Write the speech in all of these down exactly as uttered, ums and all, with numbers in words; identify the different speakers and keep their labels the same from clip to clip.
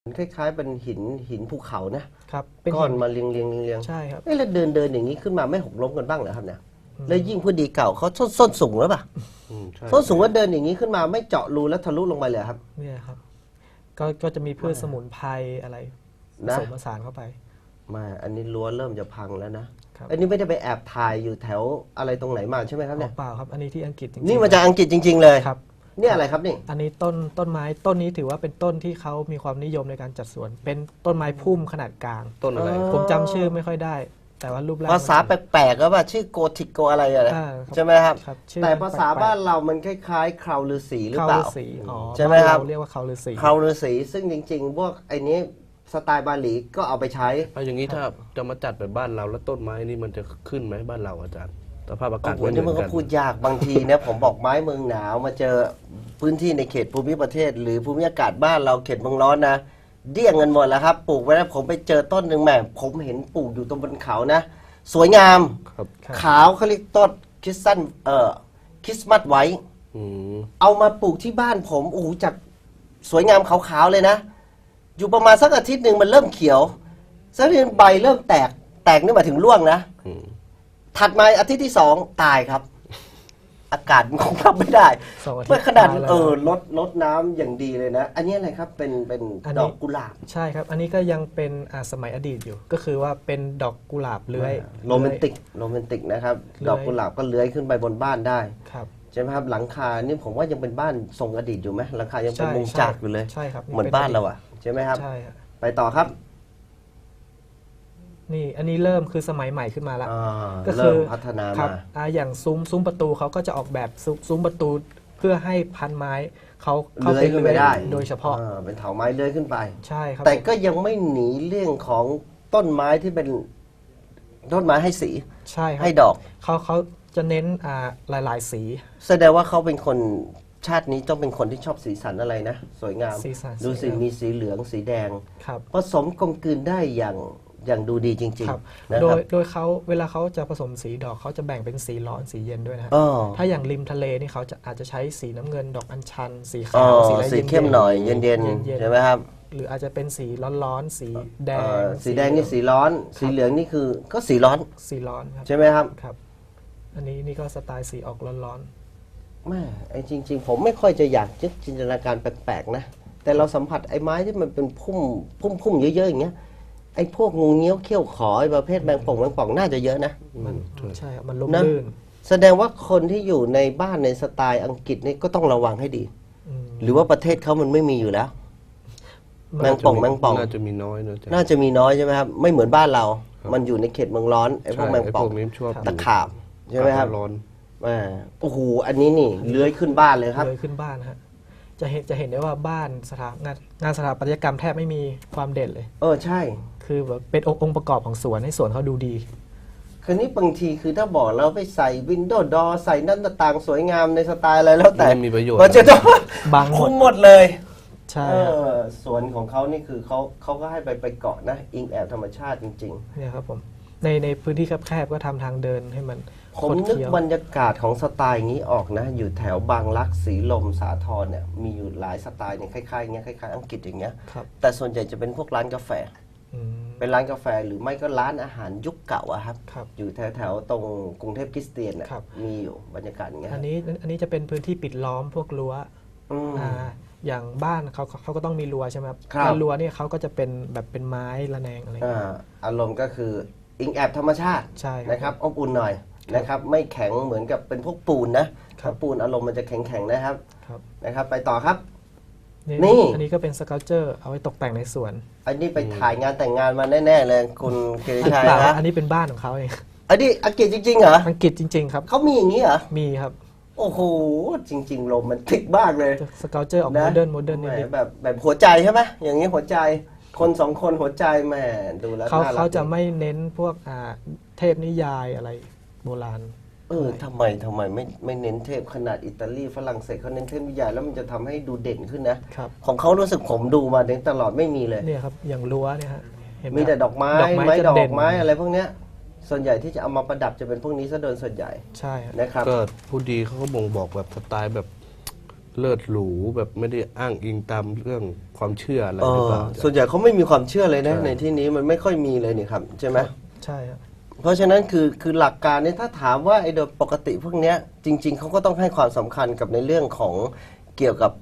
Speaker 1: คล้ายๆเป็นหินหินภูเขานะครับ
Speaker 2: เป็น
Speaker 1: ก้อน
Speaker 2: หิน
Speaker 1: มาเรียงเรียงเรียง
Speaker 2: ใช่ครับ
Speaker 1: เอ๊ะแล้วเดินเดินอย่างนี้ขึ้นมาไม่หกล้มกันบ้างเหรอครับเนี่ยแล้วยิ่งพื้นดีเก่าเขาส้นส้นสูงแล้วป่ะ
Speaker 3: อืมใช่
Speaker 1: ส้นสูงว่าเดินอย่างนี้ขึ้นมาไม่เจาะรูแล้วทะลุลงไปเลยครับ
Speaker 2: เนี่ยครับก็ก็จะมีพืชสมุนไพรอะไรผ
Speaker 1: นะ
Speaker 2: สมผสานเข้าไป
Speaker 1: มาอันนี้รั้วเริ่มจะพังแล้วนะครับ อันนี้ไม่ได้ไปแอบถ่ายอยู่แถวอะไรตรงไหนมาใช่ไหมครับ
Speaker 2: อ๋
Speaker 1: เนี่
Speaker 2: อย เปล่าครับ อันนี้ที่อังกฤษจริงๆ
Speaker 1: นี่มาจากอังกฤษจริง ๆ เลย
Speaker 2: ครับ
Speaker 1: นี่อะไรครับนี่
Speaker 2: อันนี้ต้นต้นไม้ต้นนี้ถือว่าเป็นต้นที่เขามีความนิยมในการจัดสวน เป็นต้นไม้พุ่มขนาดกลาง
Speaker 3: ต้นอะไร
Speaker 2: ผมจำชื่อไม่ค่อยได้ แต่ว่ารูปร่าง
Speaker 1: ภาษาแปลกๆก็ว่าชื่อโกธิกโกอะไรอะไร
Speaker 2: อ่าครับ
Speaker 1: ใช่ไหมครับ
Speaker 2: ครับชื่อ
Speaker 1: แต่ภาษา
Speaker 2: แปลกๆ
Speaker 1: บ้านเรามันคล้ายๆคราวฤาษีหรือ
Speaker 2: เขา
Speaker 1: เปล่า
Speaker 2: ฤาษีอ๋อ
Speaker 1: ใช่ไหมครับ
Speaker 2: านเาเรียกว่าเขาฤาษี
Speaker 1: คราวฤาษีซึ่งจริงๆ พวกไอ้นี้สไตล์บาหลีก็เอาไปใช้
Speaker 3: เอาอย่างนี้ถ้าจะมาจัดแบบบ้านเราแล้วต้นไม้นี่มันจะขึ้นไหมบ้านเราอาจารย์สภาพอากาศ
Speaker 1: โอ้โห
Speaker 3: ไม่เห
Speaker 1: นี่
Speaker 3: มื
Speaker 1: มัน
Speaker 3: อน
Speaker 1: ก็
Speaker 3: กัน
Speaker 1: พูดยากบางทีเนี่ย ผมบอกไม้เมืองหนาวมาเจอพื้นที่ในเขตภูมิประเทศ หรือภูมิอากาศบ้านเราเขตเมืองร้อนนะเดี้ยงกันหมดแล้วครับปลูกไว้แล้วผมไปเจอต้นหนึ่งแหม่ผมเห็นปลูกอยู่ตรงบนเขานะ สวยงาม
Speaker 3: ครับ
Speaker 2: ครับ
Speaker 1: ขาวเขาเรียกต้นคริสตันเอ่อคริสต์มาสไว้
Speaker 3: อืม
Speaker 1: เอามาปลูกที่บ้านผมโอ้โหจากสวยงามขาวๆเลยนะ อยู่ประมาณสักอาทิตย์หนึ่งมันเริ่มเขียวสักทีใบเริ่มแตกแตกนี่หมายถึงร่วงนะ
Speaker 3: อืม
Speaker 1: ถัดมาอาทิตย์ที่สองตายครับ อากาศมันคงรับไม่ได้
Speaker 2: สองอาทิตย์
Speaker 1: เมื่อขนาด
Speaker 2: ตายแล้ว
Speaker 1: เออลดลดน้ำอย่างดีเลยนะ อันนี้อะไรครับเป็นเป็น
Speaker 2: อันนี้
Speaker 1: ดอกกุหลาบ
Speaker 2: ใช่ครับ อันนี้ก็ยังเป็นอ่าสมัยอดีตอยู่ ก็คือว่าเป็นดอกกุหลาบเลื้อย
Speaker 1: โรแมนติกโรแมนติกนะครับ
Speaker 2: เลื้อย
Speaker 1: ดอกกุหลาบก็เลื้อยขึ้นไปบนบ้านได้
Speaker 2: ครับ
Speaker 1: ใช่ไหมครับหลังคานี่ผมว่ายังเป็นบ้านทรงอดีตอยู่ไหมหลังคายังเป็น
Speaker 2: ใช่
Speaker 1: มุงจากอยู่เลย
Speaker 2: ใช่ครับ
Speaker 1: เหมือนบ้านเราอ่ะใช่ไหมครับ
Speaker 2: ใช่ครับ
Speaker 1: ไปต่อครับ
Speaker 2: นี่อันนี้เริ่มคือสมัยใหม่ขึ้นมาละ
Speaker 1: อ่า
Speaker 2: ก็คื
Speaker 1: เริ่
Speaker 2: อ
Speaker 1: มพัฒนา
Speaker 2: ครับ
Speaker 1: มา
Speaker 2: อ่าอย่างซุ้มซุ้มประตูเขาก็จะออกแบบซุ้มซุ้มประตูเพื่อให้พันไม้เขาเขา
Speaker 1: เลื้อยขึ้นไปได้
Speaker 2: โดยเฉพาะ
Speaker 1: อ่าเป็นเถาไม้เลื้อยขึ้นไป
Speaker 2: ใช่ครับ
Speaker 1: แต่
Speaker 2: ผม
Speaker 1: ก็ยังไม่หนีเรื่องของต้นไม้ที่เป็นต้นไม้ให้สี
Speaker 2: ใช่ครับ
Speaker 1: ให้ดอก
Speaker 2: เขาเขาจะเน้นอ่าหลาย ๆ สี
Speaker 1: แสดงว่าเขาเป็นคนชาตินี้ต้องเป็นคนที่ชอบสีสันอะไรนะ สวยงาม
Speaker 2: สีสัน
Speaker 1: ดูสิ
Speaker 2: สวยงาม
Speaker 1: มีสีเหลืองสีแดง
Speaker 2: ครับ
Speaker 1: ผสมกลมกลืนได้อย่างอย่างดูดีจริง
Speaker 2: ครับ
Speaker 1: ๆนะ
Speaker 2: โด
Speaker 1: ครับ
Speaker 2: ยโดยเขาเวลาเขาจะผสมสีดอกเขาจะแบ่งเป็นสีร้อนสีเย็นด้วยนะฮะ
Speaker 1: อ๋อ
Speaker 2: ถ้าอย่างริมทะเลนี่เขาจะอาจจะใช้สีน้ำเงินดอกอัญชัน สี
Speaker 1: อ๋อ
Speaker 2: ขาวสีอะไร
Speaker 1: สี
Speaker 2: ย็นๆ
Speaker 1: เข้มหน่อยเย็น
Speaker 2: เย็น
Speaker 1: ๆ
Speaker 2: ๆ
Speaker 1: ใช่ไหมครับ
Speaker 2: หรืออาจจะเป็นสีร้อนๆสีแด
Speaker 1: เอ่
Speaker 2: ง
Speaker 1: อสีแดงนี่สีร้อน สีเหลืองนี่คือก็สีร้อน
Speaker 2: สีร้อนครับ
Speaker 1: ใช่ไหมครับ
Speaker 2: ครับ อันนี้นี่ก็สไตล์สีออกร้อน
Speaker 1: แม่ไอ้จริง ๆ ผมไม่ค่อยจะอยากจะจินตนาการแปลกๆนะ แต่เราสัมผัสไอ้ไม้ที่มันเป็นพุ่มพุ่มพุ่มเยอะๆอย่างเงี้ยไอ้พวกงูเงี้ยวเขี้ยวขอไอ้ประเภทแมงป่องแมงป่องน่าจะเยอะนะ
Speaker 2: ๆมันใช่ครับมันลม
Speaker 1: นะ
Speaker 2: ลื่น
Speaker 1: แสดงว่าคนที่อยู่ในบ้านในสไตล์อังกฤษนี่ก็ต้องระวังให้ดี
Speaker 2: อืม
Speaker 1: หรือว่าประเทศเขามันไม่มีอยู่แล้ว แมงป่องแมงป่อง
Speaker 3: น่าจะมีน้อยนะอาจารย์
Speaker 1: น่าจะมีน้อยใช่ไหมครับ ไม่เหมือนบ้านเรา มันอยู่ในเขตเมืองร้อนไอ้พวก
Speaker 3: ใช่
Speaker 1: แมง
Speaker 3: ไอ้
Speaker 1: ป่
Speaker 3: พ
Speaker 1: อง
Speaker 3: วกนี้ชอบ
Speaker 1: ตะขาบใช่ไหมครับ
Speaker 3: ร้อน
Speaker 1: อ่าโอ้โหอันนี้นี่เลื้อยขึ้นบ้านเลยครับ
Speaker 2: เลยขึ้นบ้านนะฮะจะเห็นจะเห็นได้ว่าบ้านสถางานงานสถาปัตยกรรมแทบไม่มีความเด่นเลย
Speaker 1: เออใช่
Speaker 2: คือแบบเป็นองค์องค์ประกอบของสวนให้สวนเขาดูดี
Speaker 1: คืนนี้บางทีคือถ้าบอกเราไปใส่วินโดว์ดอใส่หน้าต่างสวยงามในสไตล์อะไรแล้วแต่
Speaker 3: ไม่มีประโยชน์
Speaker 1: มันจะต้อง
Speaker 2: บังหมด
Speaker 1: คุมหมดเลย
Speaker 2: ใช่
Speaker 1: เอ
Speaker 2: ครับ
Speaker 1: อสวนของเขานี่คือเขาเขาก็ให้ไปไปเกาะนะ อิงแอบธรรมชาติจริง
Speaker 2: เนี่ยครับผมในในพื้นที่แคบๆก็ทำทางเดินให้มัน
Speaker 1: ๆ
Speaker 2: ค
Speaker 1: ผม
Speaker 2: ด
Speaker 1: นึก
Speaker 2: เคี้ยว
Speaker 1: บรรยากาศของสไตล์อย่างนี้ออกนะ อยู่แถวบางรักสีลมสาทรเนี่ยมีอยู่หลายสไตล์เนี่ยคล้ายๆอย่างเงี้ยคล้ายๆอังกฤษอย่างเงี้ย
Speaker 2: ครับ
Speaker 1: แต่ส่วนใหญ่จะเป็นพวกร้านกาแฟ
Speaker 2: อืม
Speaker 1: เป็นร้านกาแฟหรือไม่ก็ร้านอาหารยุคเก่าอะครับ
Speaker 2: ครับ
Speaker 1: อยู่แถวๆตรงกรุงเทพคริสเตียนน่ะ
Speaker 2: ครับ
Speaker 1: มีอยู่บรรยากาศอย่างเงี้ย
Speaker 2: อันนี้อันนี้จะเป็นพื้นที่ปิดล้อมพวกรั้ว
Speaker 1: อืม
Speaker 2: อ่าอย่างบ้านเขาเขาก็ต้องมีรั้วใช่ไหมครับ
Speaker 1: ครับ
Speaker 2: แล้วรั้วเนี่ยเขาก็จะเป็นแบบเป็นไม้ระแนงอะไรอย่าง
Speaker 1: อ่า
Speaker 2: เงี้ย
Speaker 1: อารมณ์ก็คืออิงแอบธรรมชาติ
Speaker 2: ใช่ครับ
Speaker 1: นะครับอบอุ่นหน่อยนะครับ ไม่แข็งเหมือนกับเป็นพวกปูนนะครับ ถ้าปูนอารมณ์มันจะแข็งๆนะครับ
Speaker 2: ครับ
Speaker 1: นะครับ ไปต่อครับ
Speaker 2: นี่
Speaker 1: นี่
Speaker 2: อันนี้ก็เป็นสเกลเจอร์เอาไว้ตกแต่งในสวน
Speaker 1: อันนี้ไปถ่ายงานแต่งงานมาแน่ๆเลยคุณเกริชัย
Speaker 2: เปล่า
Speaker 1: นะ
Speaker 2: อันนี้เป็นบ้านของเขาเอง
Speaker 1: อันนี้อังกฤษจริงๆเหรอ
Speaker 2: อังกฤษจริง ๆ ครับ
Speaker 1: เขามีอย่างนี้เหรอ
Speaker 2: มีครับ
Speaker 1: โอ้โหจริงๆโรแมนติกมากเลย
Speaker 2: สเกลเจอร์ออกโมเดิร์นโมเดิร์น
Speaker 1: แห
Speaker 2: นิด
Speaker 1: แบบแบบหัวใจใช่ไหมอย่างนี้หัวใจคนสองคนหัวใจแหมดูแล้ว
Speaker 2: ๆเขา
Speaker 1: น่รัก
Speaker 2: เขาจะ
Speaker 1: ดี
Speaker 2: ไม่เน้นพวกอ่าเทพนิยายอะไรโบราณ
Speaker 1: เออทำไมทำไมไม่ไม่เน้นเทพขนาดอิตาลีฝรั่งเศสเขาเน้นเทพนิยายแล้วมันจะทำให้ดูเด่นขึ้นนะครับ ของเขารู้สึกผมดูมาตลอดไม่มีเลย
Speaker 2: เนี่ยครับอย่างรั้วเนี่ยฮะเห็นไห
Speaker 1: มี
Speaker 2: ครับ
Speaker 1: แต่ดอกไม้
Speaker 2: ดอกไม้
Speaker 1: ไม้
Speaker 2: จะ
Speaker 1: ดอ
Speaker 2: เด่
Speaker 1: ก
Speaker 2: น
Speaker 1: ไม้อะไรพวกเนี้ยส่วนใหญ่ที่จะเอามาประดับจะเป็นพวกนี้ซะโดยส่วนใหญ่
Speaker 2: ใช่ฮะ
Speaker 1: นะครับ
Speaker 3: ก็ผู้ดีเขาก็บ่งบอกแบบสไตล์แบบเลิศหรูแบบไม่ได้อ้างอิงตามเรื่องความเชื่ออะไร
Speaker 1: เอ
Speaker 3: หรือ
Speaker 1: อ
Speaker 3: เปล่า
Speaker 1: ส่วนใหญ่เขาไม่มีความเชื่อเลยนะ
Speaker 3: ใช่
Speaker 1: ในที่นี้มันไม่ค่อยมีเลยนี่ครับใช่ไหม
Speaker 2: ใช่ครับ
Speaker 1: เพราะฉะนั้นคือคือหลักการเนี่ยถ้าถามว่าไอ้โดยปกติพวกเนี้ยจริง ๆเขาก็ต้องให้ความสำคัญกับในเรื่องของเกี่ยวกับ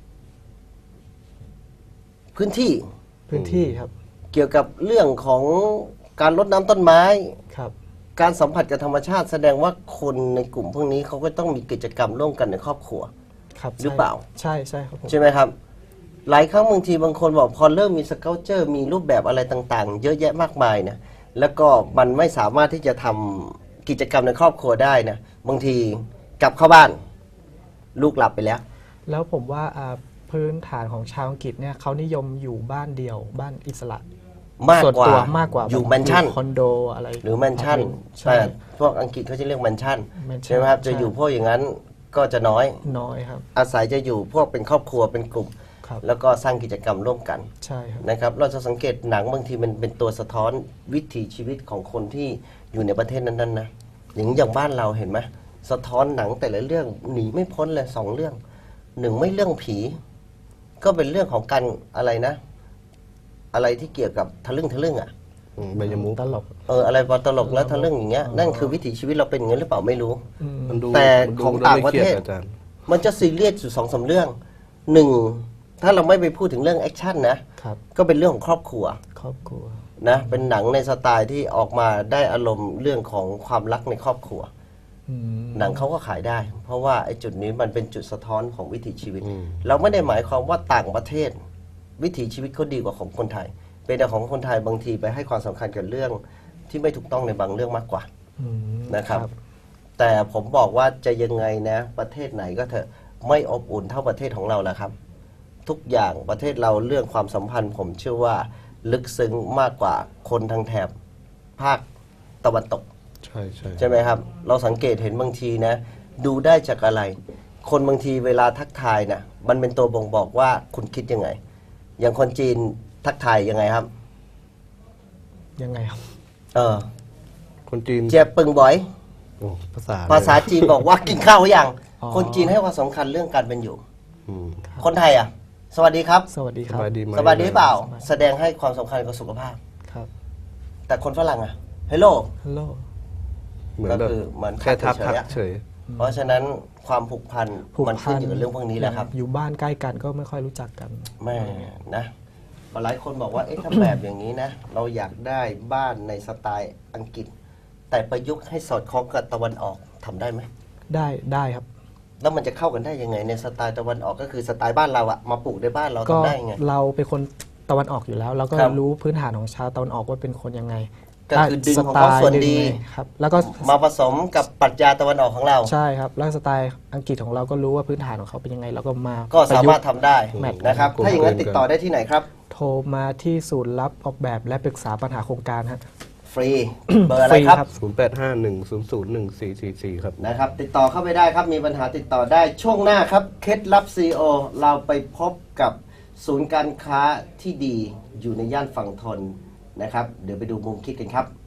Speaker 1: พื้นที่
Speaker 2: พื้นที่ครับ
Speaker 1: เกี่ยวกับเรื่องของการรดน้ำต้นไม้
Speaker 2: ครับ
Speaker 1: การสัมผัสกับธรรมชาติแสดงว่าคนในกลุ่มพวกนี้เขาก็ต้องมีกิจกรรมร่วมกันในครอบครัว
Speaker 2: ครับ
Speaker 1: หรือเปล่า
Speaker 2: ใช่ใช่ครับผม
Speaker 1: ใช่ไหมครับ หลายครั้งบางทีบางคนบอกพอเริ่มมีสเกลเจอร์มีรูปแบบอะไรต่างๆ เยอะแยะมากมายนะแล้วก็มันไม่สามารถที่จะทำกิจกรรมในครอบครัวได้นะบางทีกลับเข้าบ้าน ลูกหลับไปแล้ว
Speaker 2: แล้วผมว่าอ่าพื้นฐานของชาวอังกฤษเนี่ยเขานิยมอยู่บ้านเดียวบ้านอิสระ
Speaker 1: มาก
Speaker 2: ส่วน
Speaker 1: กว่า
Speaker 2: ตัวมากกว่า
Speaker 1: อยู่
Speaker 2: บบ
Speaker 1: แมนชั่น
Speaker 2: คอนโดอะไร
Speaker 1: หรือแมนชั่น
Speaker 2: ใช่
Speaker 1: แต่พวกอังกฤษเขาจะเรียกแมนชั่น
Speaker 2: แมนชั่น
Speaker 1: ใช่ไหมครับ
Speaker 2: ใช่
Speaker 1: จะอยู่พวกอย่างนั้นก็จะน้อย
Speaker 2: น้อยครับ
Speaker 1: อาศัยจะอยู่พวกเป็นครอบครัวเป็นกลุ่ม
Speaker 2: ครับ
Speaker 1: แล้วก็สร้างกิจกรรมร่วมกัน
Speaker 2: ใช่ครับ
Speaker 1: นะครับ เราจะสังเกตหนังบางทีมันเป็นตัวสะท้อนวิถีชีวิตของคนที่อยู่ในประเทศนั้นๆนะอย่างอย่างบ้านเราเห็นไหมสะท้อนหนังแต่ละเรื่องหนีไม่พ้นเลยสองเรื่องหนึ่งไม่เรื่องผี ก็เป็นเรื่องของการอะไรนะ อะไรที่เกี่ยวกับทะลึ่งทะลึ่งอ่ะ
Speaker 3: อืมใบยมุก
Speaker 2: ตลก
Speaker 1: เอออะไรตลกแล้วทะลึ่งอย่างเงี้ยนั่นคือวิถีชีวิตเราเป็นอย่างนั้นหรือเปล่าไม่รู้
Speaker 2: อืม
Speaker 3: มันดู
Speaker 1: แต่
Speaker 3: มันดู
Speaker 1: ของ
Speaker 3: แล้ว
Speaker 1: ต่าง
Speaker 3: ไม่
Speaker 1: ประ
Speaker 3: ครีย
Speaker 1: เท
Speaker 3: ด
Speaker 1: ศ
Speaker 3: อาจารย์
Speaker 1: มันจะซีเรียสอยู่สองสามเรื่องหนึ่งถ้าเราไม่ไปพูดถึงเรื่องแอคชั่นนะครับ ก็เป็นเรื่องของครอบครัว
Speaker 2: ครอบครัว
Speaker 1: นะเป็นหนังในสไตล์ที่ออกมาได้อารมณ์เรื่องของความรักในครอบครัว
Speaker 2: อืม
Speaker 1: หนังเขาก็ขายได้ เพราะว่าไอ้จุดนี้มันเป็นจุดสะท้อนของวิถีชีวิต
Speaker 3: อืม
Speaker 1: เราไม่ได้หมายความว่าต่างประเทศ วิถีชีวิตเขาดีกว่าของคนไทย เป็นแต่ของคนไทยบางทีไปให้ความสำคัญกับเรื่องที่ไม่ถูกต้องในบางเรื่องมากกว่า
Speaker 2: อืม
Speaker 1: นะครับ แต่ผมบอกว่าจะยังไงนะ ประเทศไหนก็เถอะไม่อบอุ่นเท่าประเทศของเราแล้วครับ ทุกอย่างประเทศเราเรื่องความสัมพันธ์ ผมเชื่อว่าลึกซึ้งมากกว่าคนทางแถบภาคตะวันตก
Speaker 3: ใช่ใช่
Speaker 1: ใช่ไหมครับ เราสังเกตเห็นบางทีนะ ดูได้จากอะไร คนบางทีเวลาทักทายนะมันเป็นตัวบ่งบอกว่าคุณคิดยังไง อย่างคนจีนทักทายยังไงครับ
Speaker 2: ยังไงครับ
Speaker 1: เออ
Speaker 3: คนจีน
Speaker 1: เจียบปึงบ่อย
Speaker 3: โอ้ภาษา
Speaker 1: ภาษาจีนบอกว่ากินข้าวหรือยัง
Speaker 2: อ๋อ
Speaker 1: คนจีนให้ความสำคัญเรื่องการเป็นอยู่
Speaker 3: อืม
Speaker 1: คนไทยอ่ะ สวัสดีครับ
Speaker 2: สวัสดี
Speaker 3: ส
Speaker 2: ครับ
Speaker 3: บายดีไหม
Speaker 1: สบายดีหรือเปล่า
Speaker 2: สบาย
Speaker 1: แสดงให้ความสำคัญกับสุขภาพ
Speaker 2: ครับ
Speaker 1: แต่คนฝรั่งอ่ะเฮลโล
Speaker 2: ฮัลโหล
Speaker 3: เหมือนแบบ
Speaker 1: ก็คือเหมือน
Speaker 3: แค่ทัก
Speaker 1: เฉยๆ
Speaker 3: ทัก
Speaker 1: อะ
Speaker 3: เฉย
Speaker 1: เพราะฉะนั้นความผูกพัน
Speaker 2: ผูก
Speaker 1: มัน
Speaker 2: พั
Speaker 1: ขึ้นอยู่กับเรื่องพวกนี้แหละครับ
Speaker 2: อยู่บ้านใกล้กันก็ไม่ค่อยรู้จักกัน
Speaker 1: แม่นะหลายคนบอกว่าเอ๊ะถ้าแบบอย่างนี้นะ เราอยากได้บ้านในสไตล์อังกฤษ แต่ประยุกต์ให้สอดคล้องกับตะวันออกทำได้ไหม
Speaker 2: ได้ได้ครับ
Speaker 1: แล้วมันจะเข้ากันได้ยังไงในสไตล์ตะวันออกก็คือสไตล์บ้านเราอะมาปลูกในบ้านเรา
Speaker 2: ก็
Speaker 1: ทำได้ยังไง
Speaker 2: เราเป็นคนตะวันออกอยู่แล้ว เราก็
Speaker 1: ครับ
Speaker 2: รู้พื้นฐานของชาวตะวันออกว่าเป็นคนยังไง
Speaker 1: ก็คือดึงของเขาส่วนดี
Speaker 2: ดึงเลยครับ แล้วก็
Speaker 1: มาผสมกับปรัชญาตะวันออกของเรา
Speaker 2: ใช่ครับ แล้วสไตล์อังกฤษของเราก็รู้ว่าพื้นฐานของเขาเป็นยังไงเราก็มา
Speaker 1: ก็สามารถ
Speaker 2: ประยุ
Speaker 1: ทำได้
Speaker 2: แมท
Speaker 1: นะครับ ถ้าอย่างนั้นติดต่อได้ที่ไหนครับ
Speaker 2: กต์โทรมาที่ศูนย์รับออกแบบและปรึกษาปัญหาโครงการฮะ
Speaker 1: ฟรี เบอร์อะไรค
Speaker 2: ฟรีครั
Speaker 1: รับ
Speaker 2: บ
Speaker 3: ศูนย์แปดห้าหนึ่งศูนย์ศูนย์หนึ่งสี่สี่สี่ครับ
Speaker 1: นะครับ ติดต่อเข้าไปได้ครับ มีปัญหาติดต่อได้ช่วงหน้าครับ เคล็ดลับ ซี อี โอ เราไปพบกับศูนย์การค้าที่ดีอยู่ในย่านฝั่งทนนะครับ เดี๋ยวไปดูมุมคิดกันครับ